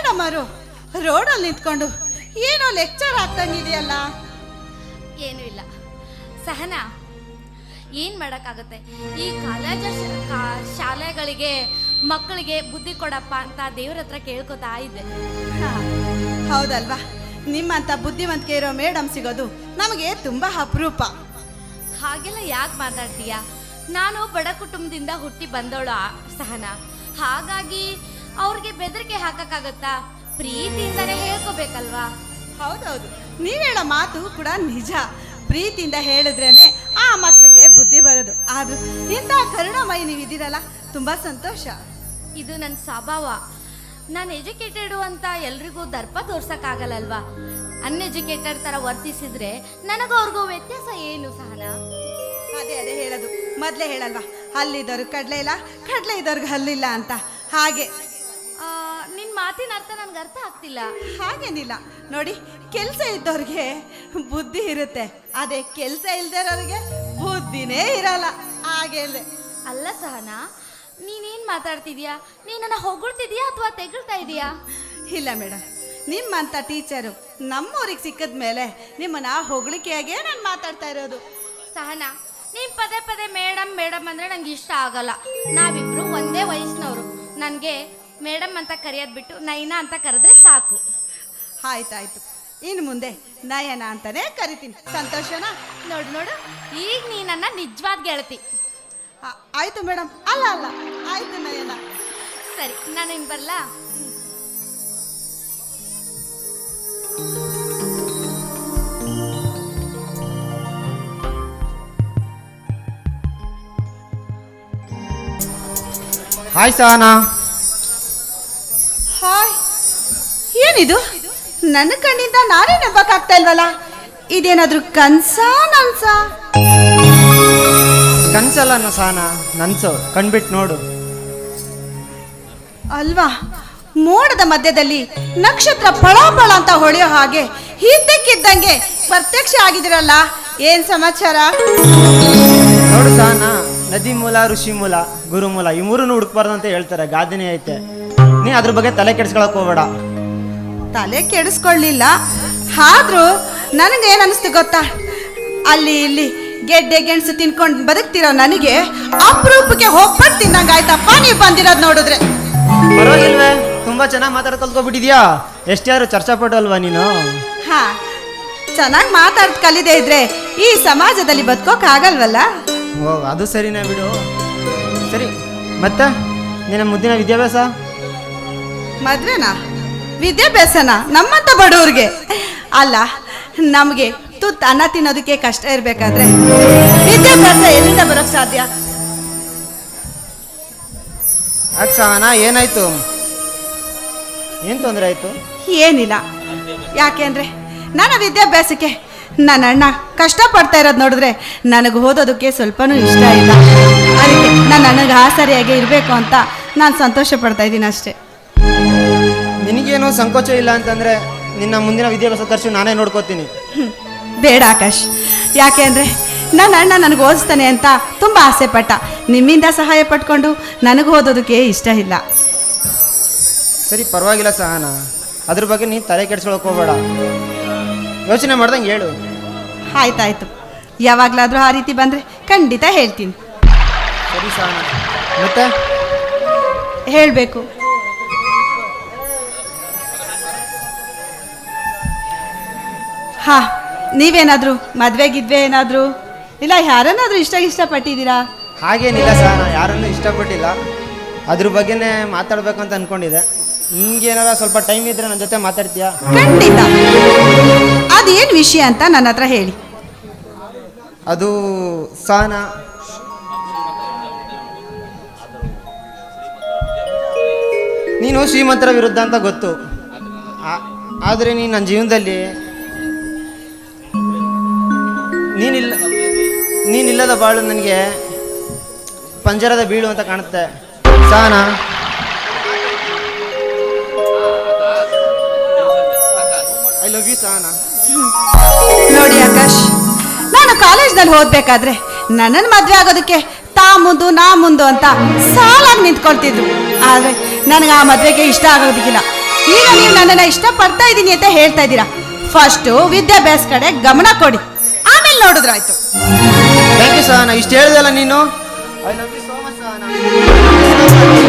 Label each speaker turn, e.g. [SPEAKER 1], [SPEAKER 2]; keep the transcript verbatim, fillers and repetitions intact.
[SPEAKER 1] ಏನಮ್ಮರು ರೋಡಲ್ಲಿ ನಿಂತ್ಕೊಂಡು ಏನೋ ಲೆಕ್ಚರ್ ಆಗ್ತಂಗಿದೆಯಲ್ಲ.
[SPEAKER 2] ಏನೂ ಇಲ್ಲ ಸಹನಾ, ಏನು ಮಾಡೋಕ್ಕಾಗುತ್ತೆ, ಈ ಕಾಲೇಜ್ ಶಾಲೆಗಳಿಗೆ ಮಕ್ಕಳಿಗೆ ಬುದ್ಧಿ ಕೊಡಪ್ಪ ಅಂತ ದೇವ್ರ ಹತ್ರ ಕೇಳ್ಕೊತಾ ಇದ್ದೆ.
[SPEAKER 1] ಹೌದಲ್ವಾ, ನಿಮ್ಮಂಥ ಬುದ್ಧಿವಂತಿಕೆ ಇರೋ ಮೇಡಮ್ ಸಿಗೋದು ನಮಗೆ ತುಂಬ ಅಪರೂಪ.
[SPEAKER 2] ಹಾಗೆಲ್ಲ ಯಾಕೆ ಮಾತಾಡ್ತೀಯ? ನಾನು ಬಡ ಕುಟುಂಬದಿಂದ ಹುಟ್ಟಿ ಬಂದವಳು ಸಹನಾ, ಹಾಗಾಗಿ ಅವ್ರಿಗೆ ಬೆದರಿಕೆ ಹಾಕಕ್ಕಾಗತ್ತಾ? ಪ್ರೀತಿಯಿಂದನೇ ಹೇಳ್ಕೋಬೇಕಲ್ವಾ?
[SPEAKER 1] ಹೌದೌದು, ನೀವು ಹೇಳೋ ಮಾತು ಕೂಡ ನಿಜ. ಪ್ರೀತಿಯಿಂದ ಹೇಳಿದ್ರೇನೆ ಆ ಮಕ್ಕಳಿಗೆ ಬುದ್ಧಿ ಬರೋದು. ಆದ್ರೂ ಇಂಥ ಕರುಣಾಮಯಿ ನೀವು ಇದ್ದೀರಲ್ಲ, ತುಂಬ ಸಂತೋಷ.
[SPEAKER 2] ಇದು ನನ್ನ ಸ್ವಭಾವ. ನಾನು ಎಜುಕೇಟೆಡು ಅಂತ ಎಲ್ರಿಗೂ ದರ್ಪ ತೋರ್ಸಕ್ಕಾಗಲ್ಲಲ್ವಾ? ಅನ್ಎಜುಕೇಟೆಡ್ ಥರ ವರ್ತಿಸಿದ್ರೆ ನನಗೂ ಅವ್ರಿಗೂ ವ್ಯತ್ಯಾಸ ಏನು ಸಹನಾ?
[SPEAKER 1] ಅದೇ ಅದೇ ಹೇಳೋದು, ಮೊದಲೇ ಹೇಳಲ್ವಾ, ಹಲ್ಲಿದ್ದವ್ರಿಗೆ ಕಡಲೆ ಇಲ್ಲ, ಕಡಲೆ ಇದ್ದವ್ರಿಗೆ ಹಲ್ಲಿಲ್ಲ ಅಂತ. ಹಾಗೆ
[SPEAKER 2] ನಿನ್ನ ಮಾತಿನ ಅರ್ಥ ನನಗೆ ಅರ್ಥ ಆಗ್ತಿಲ್ಲ.
[SPEAKER 1] ಹಾಗೇನಿಲ್ಲ ನೋಡಿ, ಕೆಲಸ ಇದ್ದವ್ರಿಗೆ ಬುದ್ಧಿ ಇರುತ್ತೆ, ಅದೇ ಕೆಲಸ ಇಲ್ದಿರೋರಿಗೆ ಬುದ್ಧಿನೇ ಇರಲ್ಲ. ಹಾಗೆ
[SPEAKER 2] ಅಲ್ಲ ಸಹನಾ, ನೀನೇನು ಮಾತಾಡ್ತಿದ್ಯಾ? ನೀನನ್ನ ಹೊಗಳ್ತಿದ್ಯಾ ಅಥವಾ ತೆಗಳ್ತಾ ಇದೀಯಾ?
[SPEAKER 1] ಇಲ್ಲ ಮೇಡಮ್, ನಿಮ್ಮಂಥ ಟೀಚರು ನಮ್ಮೂರಿಗೆ ಸಿಕ್ಕಿದ ಮೇಲೆ ನಿಮ್ಮನ್ನ ಹೊಗಳಿಕೆಯಾಗೇ ನಾನು ಮಾತಾಡ್ತಾ ಇರೋದು.
[SPEAKER 2] ಸಹನಾ, ನೀನು ಪದೇ ಪದೇ ಮೇಡಮ್ ಮೇಡಮ್ ಅಂದರೆ ನಂಗೆ ಇಷ್ಟ ಆಗಲ್ಲ. ನಾವಿಬ್ರು ಒಂದೇ ವಯಸ್ಸಿನವರು. ನನಗೆ ಮೇಡಮ್ ಅಂತ ಕರೆಯೋದು ಬಿಟ್ಟು ನಯನಾ ಅಂತ ಕರೆದ್ರೆ ಸಾಕು.
[SPEAKER 1] ಆಯ್ತಾಯ್ತು, ಇನ್ನು ಮುಂದೆ ನಯನ ಅಂತಾನೆ ಕರಿತೀನಿ. ಸಂತೋಷನಾ?
[SPEAKER 2] ನೋಡು ನೋಡು, ಈಗ ನೀ ನನ್ನ ನಿಜವಾದ ಗೆಳತಿ.
[SPEAKER 1] ಆಯ್ತು ಮೇಡಮ್. ಅಲ್ಲ ಅಲ್ಲ ಆಯ್ತು ನಯನ.
[SPEAKER 2] ಸರಿ, ನಾನು ಇನ್ನು ಬರಲಾ?
[SPEAKER 3] ಹಾಯ್ ಸಹನಾ.
[SPEAKER 1] ಹಾಯ್. ಏನಿದು? ನನ್ನ ಕಣ್ಣಿಂದ ನಾನೇ ನಂಬಕ್ಕಾಗ್ತಾ ಇಲ್ವಲ್ಲ. ಇದೇನಾದ್ರೂ ಕನ್ಸಾ ನನ್ಸಾ?
[SPEAKER 3] ಕನ್ಸಲ್ಲ ಸಹನಾ, ನನ್ಸು. ಕಣ್ಬಿಟ್ಟು ನೋಡು.
[SPEAKER 1] ಅಲ್ವಾ, ಮೋಡದ ಮಧ್ಯದಲ್ಲಿ ನಕ್ಷತ್ರ ಫಳಫಳ ಅಂತ ಹೊಳೆಯೋ ಹಾಗೆ ಇದ್ದಕ್ಕಿದ್ದಂಗೆ ಪ್ರತ್ಯಕ್ಷ ಆಗಿದಿರಲ್ಲ. ಏನ್ ಸಮಾಚಾರ?
[SPEAKER 3] ನೋಡು ಸಹನಾ, ನದಿ ಮೂಲ, ಋಷಿ ಮೂಲ, ಗುರು ಮೂಲ, ಈ ಮೂರನ್ನು ಹುಡುಕ್ಬಾರ್ದು ಅಂತ ಹೇಳ್ತಾರೆ, ಗಾದೆನೇ ಐತೆ. ನೀ ಅದ್ರ ಬಗ್ಗೆ ತಲೆ ಕೆಡಿಸ್ಕೊಳಕ್ ಹೋಗ್ಬೇಡ.
[SPEAKER 1] ತಲೆ ಕೆಡಿಸ್ಕೊಳ್ಳಿಲ್ಲ, ಆದ್ರೂ ನನಗೇನು ಅನಿಸ್ತು ಗೊತ್ತಾ, ಅಲ್ಲಿ ಇಲ್ಲಿ ಗೆಡ್ಡೆ ಗೆಣಸು ತಿನ್ಕೊಂಡು ಬದುಕ್ತಿರೋ ನನಗೆ ಅಪರೂಪಕ್ಕೆ ಹೋಗ್ಬಿಟ್ಟು ತಿನ್ನಂಗ ಆಯ್ತಪ್ಪ ನೀವು ಬಂದಿರೋದು ನೋಡಿದ್ರೆ.
[SPEAKER 3] ಪರವಾಗಿಲ್ವೇ, ತುಂಬಾ ಚೆನ್ನಾಗಿ ಮಾತಾಡ್ ಕಲ್ತ್ಕೊಬಿಟ್ಟಿದ್ಯಾ. ಎಷ್ಟ್ಯಾರು ಚರ್ಚಾಪಟು ಅಲ್ವಾ ನೀನು?
[SPEAKER 1] ಹಾ, ಚೆನ್ನಾಗಿ ಮಾತಾಡ್ ಕಲಿದೇ ಇದ್ರೆ ಈ ಸಮಾಜದಲ್ಲಿ ಬದುಕೋಕ್ ಆಗಲ್ವಲ್ಲ.
[SPEAKER 3] ಓ, ಅದು ಸರಿನಾ ಬಿಡು. ಸರಿ, ಮತ್ತೆ ನಿನ್ನ ಮುದ್ದಿನ ವಿದ್ಯಾಭ್ಯಾಸ?
[SPEAKER 1] ಮದ್ವೆನಾ? ವಿದ್ಯಾಭ್ಯಾಸನ ನಮ್ಮಂತ ಬಡವ್ರಿಗೆ ಅಲ್ಲ, ನಮಗೆ ತುತ್ತು ಅನ್ನ ತಿನ್ನೋದಕ್ಕೆ ಕಷ್ಟ ಇರ್ಬೇಕಾದ್ರೆ ವಿದ್ಯಾಭ್ಯಾಸ ಎಲ್ಲಿಂದ ಬರೋಕ್ ಸಾಧ್ಯ?
[SPEAKER 3] ಯಾಕೆ ಸಹನಾ, ಏನಾಯ್ತು? ಏನ್ ತೊಂದರೆ ಆಯ್ತು?
[SPEAKER 1] ಏನಿಲ್ಲ. ಯಾಕೆಂದ್ರೆ ನನ್ನ ವಿದ್ಯಾಭ್ಯಾಸಕ್ಕೆ ನನ್ನ ಅಣ್ಣ ಕಷ್ಟಪಡ್ತಾ ಇರೋದು ನೋಡಿದ್ರೆ ನನಗೆ ಓದೋದಕ್ಕೆ ಸ್ವಲ್ಪನೂ ಇಷ್ಟ ಇಲ್ಲ. ಅದಕ್ಕೆ ನನ್ನ ಅಣ್ಣಗೆ ಆಸರಿಯಾಗಿ ಇರಬೇಕು ಅಂತ ನಾನು ಸಂತೋಷ ಪಡ್ತಾ ಇದ್ದೀನಿ ಅಷ್ಟೇ.
[SPEAKER 3] ನಿನಗೇನು ಸಂಕೋಚ ಇಲ್ಲ ಅಂತಂದ್ರೆ ನಿನ್ನ ಮುಂದಿನ ವಿದ್ಯಾಭ್ಯಾಸ ಖರ್ಚು ನಾನೇ ನೋಡ್ಕೋತೀನಿ.
[SPEAKER 1] ಬೇಡ ಆಕಾಶ್, ಯಾಕೆ ಅಂದರೆ ನನ್ನ ಅಣ್ಣ ನನಗೆ ಓದಿಸ್ತಾನೆ ಅಂತ ತುಂಬ ಆಸೆ ಪಟ್ಟ. ನಿಮ್ಮಿಂದ ಸಹಾಯ ಪಟ್ಕೊಂಡು ನನಗೆ ಓದೋದಕ್ಕೆ ಇಷ್ಟ ಇಲ್ಲ.
[SPEAKER 3] ಸರಿ, ಪರವಾಗಿಲ್ಲ ಸಹನಾ, ಅದ್ರ ಬಗ್ಗೆ ನೀನು ತಲೆ ಕೆಡ್ಸ್ಕೊಳಕ್ ಹೋಗ್ಬೇಡ. ಯೋಚನೆ ಮಾಡ್ದಂಗೆ ಹೇಳು.
[SPEAKER 1] ಆಯ್ತಾಯ್ತು, ಯಾವಾಗಲಾದರೂ ಆ ರೀತಿ ಬಂದರೆ ಖಂಡಿತ ಹೇಳ್ತೀನಿ.
[SPEAKER 3] ಸರಿ ಸಹನಾ, ಮತ್ತೆ
[SPEAKER 1] ಹೇಳಬೇಕು. ಹಾ, ನೀವೇನಾದರೂ ಮದುವೆಗಿದ್ವೆ ಏನಾದರೂ ಇಲ್ಲ ಯಾರನ್ನಾದರೂ ಇಷ್ಟ ಇಷ್ಟಪಟ್ಟಿದ್ದೀರಾ?
[SPEAKER 3] ಹಾಗೇನಿಲ್ಲ ಸಹನಾ, ಯಾರನ್ನೂ ಇಷ್ಟಪಟ್ಟಿಲ್ಲ. ಅದ್ರ ಬಗ್ಗೆನೇ ಮಾತಾಡ್ಬೇಕು ಅಂತ ಅನ್ಕೊಂಡಿದ್ದೆ. ಹಿಂಗೇನಾರ ಸ್ವಲ್ಪ ಟೈಮ್ ಇದ್ರೆ ನನ್ನ ಜೊತೆ ಮಾತಾಡ್ತೀಯಾ?
[SPEAKER 1] ಖಂಡಿತ. ಅದೇನು ವಿಷಯ ಅಂತ ನನ್ನ ಹತ್ರ ಹೇಳಿ.
[SPEAKER 3] ಅದು ಸಹನಾ, ನೀನು ಶ್ರೀಮಂತರ ವಿರುದ್ಧ ಅಂತ ಗೊತ್ತು, ಆದರೆ ನೀನು ನನ್ನ ಜೀವನದಲ್ಲಿ ನೀನಿಲ್ಲ ನೀನಿಲ್ಲದ ಬಾಳು ನನಗೆ ಪಂಜರದ ಬೀಳು ಅಂತ ಕಾಣುತ್ತೆ Sahana. I love you Sahana.
[SPEAKER 1] ನೋಡಿ ಆಕಾಶ್, ನಾನು ಕಾಲೇಜ್ನಲ್ಲಿ ಓದ್ಬೇಕಾದ್ರೆ ನನ್ನನ್ನು ಮದುವೆ ಆಗೋದಕ್ಕೆ ತಾ ಮುಂದು ನಾ ಮುಂದು ಅಂತ ಸಾಲಾಗಿ ನಿಂತ್ಕೊಳ್ತಿದ್ರು. ಆದರೆ ನನಗೆ ಆ ಮದುವೆಗೆ ಇಷ್ಟ ಆಗೋದಕ್ಕಿಲ್ಲ. ಈಗ ನೀವು ನನ್ನನ್ನು ಇಷ್ಟಪಡ್ತಾ ಇದ್ದೀನಿ ಅಂತ ಹೇಳ್ತಾ ಇದ್ದೀರಾ. ಫಸ್ಟು ವಿದ್ಯಾಭ್ಯಾಸ ಕಡೆ ಗಮನ ಕೊಡಿ, ಆಮೇಲೆ ನೋಡಿದ್ರಾಯ್ತು.
[SPEAKER 3] ಥ್ಯಾಂಕ್ ಯು ಸಹನ, ಇಷ್ಟು ಹೇಳ್ದಲ್ಲ ನೀನು. I love you so much Sahana.